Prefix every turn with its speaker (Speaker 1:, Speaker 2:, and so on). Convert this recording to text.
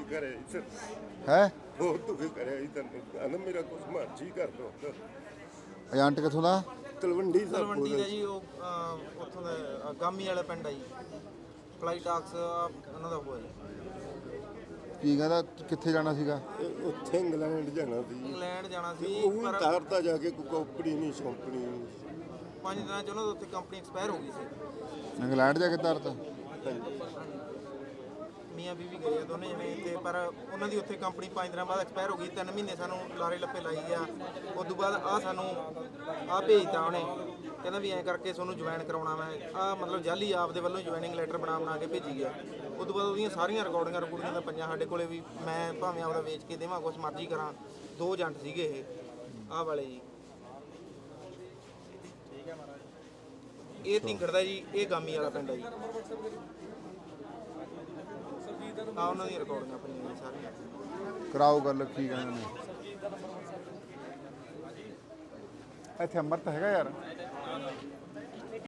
Speaker 1: करे
Speaker 2: है
Speaker 1: बहुत दुखी करे तैਨੂੰ मेरा कुछ मर्जी कर दो
Speaker 2: ਏਜੰਟ ਕਿੱਥੋਂ ਦਾ?
Speaker 1: ਤਲਵੰਡੀ ਸਾਹਿਬ
Speaker 3: ਤਲਵੰਡੀ ਦਾ ਜੀ ਉਹ ਉੱਥੋਂ ਦਾ ਗਾਮੀ ਵਾਲਾ ਪਿੰਡ ਆ ਜੀ ਫਲਾਈ ਟਾਕਸ ਉਹਨਾਂ ਦਾ ਹੋਇਆ
Speaker 2: ਕੀ ਕਹਿੰਦਾ ਕਿੱਥੇ ਜਾਣਾ ਸੀਗਾ?
Speaker 1: ਉੱਥੇ ਇੰਗਲੈਂਡ ਜਾਣਾ ਸੀ
Speaker 3: ਇੰਗਲੈਂਡ ਜਾਣਾ ਸੀ
Speaker 1: ਉਹ
Speaker 3: ਪਰ
Speaker 1: ਤਾਰਤਾ ਜਾ ਕੇ ਕੋਈ ਕੰਪਨੀ ਨਹੀਂ ਸੌਂਪਣੀ
Speaker 3: 5 ਦਿਨਾਂ ਚ ਉਹਨਾਂ ਦੇ ਉੱਥੇ ਕੰਪਨੀ ਐਕਸਪਾਇਰ ਹੋ ਗਈ ਸੀ
Speaker 2: ਇੰਗਲੈਂਡ ਜਾ ਕੇ ਤਰਤਾ?
Speaker 3: ਮੀਆਂ ਬੀਵੀ ਗਏ ਆ ਦੋਨੇ ਜਣੇ ਤੇ ਪਰ ਉਹਨਾਂ ਦੀ ਉੱਥੇ ਕੰਪਨੀ 5 ਦਿਨਾਂ ਬਾਅਦ ਐਕਸਪਾਇਰ ਹੋ ਗਈ 3 ਮਹੀਨੇ ਸਾਨੂੰ ਲਾਰੇ ਲੱਪੇ ਲਾਈ ਗਿਆ ਉਸ ਤੋਂ ਬਾਅਦ ਆ ਸਾਨੂੰ ਆ ਭੇਜਤਾ ਉਹਨੇ ਕਹਿੰਦਾ ਵੀ ਐਂ ਕਰਕੇ ਤੁਹਾਨੂੰ ਜੁਆਇਨ ਕਰਾਉਣਾ ਮੈਂ ਆ ਮਤਲਬ ਜਾਲੀ ਆਪ ਦੇ ਵੱਲੋਂ ਜੁਆਇਨਿੰਗ ਲੈਟਰ ਬਣਾ ਕੇ ਭੇਜੀ ਗਿਆ ਉਸ ਤੋਂ ਬਾਅਦ ਉਹਦੀਆਂ ਸਾਰੀਆਂ ਰਿਕਾਰਡਿੰਗਾਂ ਤਾਂ ਪਈਆਂ ਸਾਡੇ ਕੋਲੇ ਵੀ ਮੈਂ ਭਾਵੇਂ ਆਪਦਾ ਵੇਚ ਕੇ ਦੇਵਾਂ ਕੁਛ ਮਰਜ਼ੀ ਕਰਾਂ 2 ਏਜੰਟ ਸੀਗੇ ਇਹ ਆਹ ਵਾਲੇ ਜੀ ਇਹ ਢਿੰਗੜ ਦਾ ਜੀ ਇਹ ਗਾਮੀ ਵਾਲਾ ਪਿੰਡ ਹੈ ਜੀ ਆ ਉਹਨਾਂ ਦੀਆਂ ਰਿਕਾਰਡਿੰਗਾਂ ਪਈਆਂ ਜੀ ਸਾਰੀਆਂ
Speaker 2: ਕਰਾਓ ਗੱਲ ਕੀ ਕਹਿੰਦੇ ਨੇ ਇੱਥੇ ਅੰਮ੍ਰਿਤ ਹੈਗਾ ਯਾਰ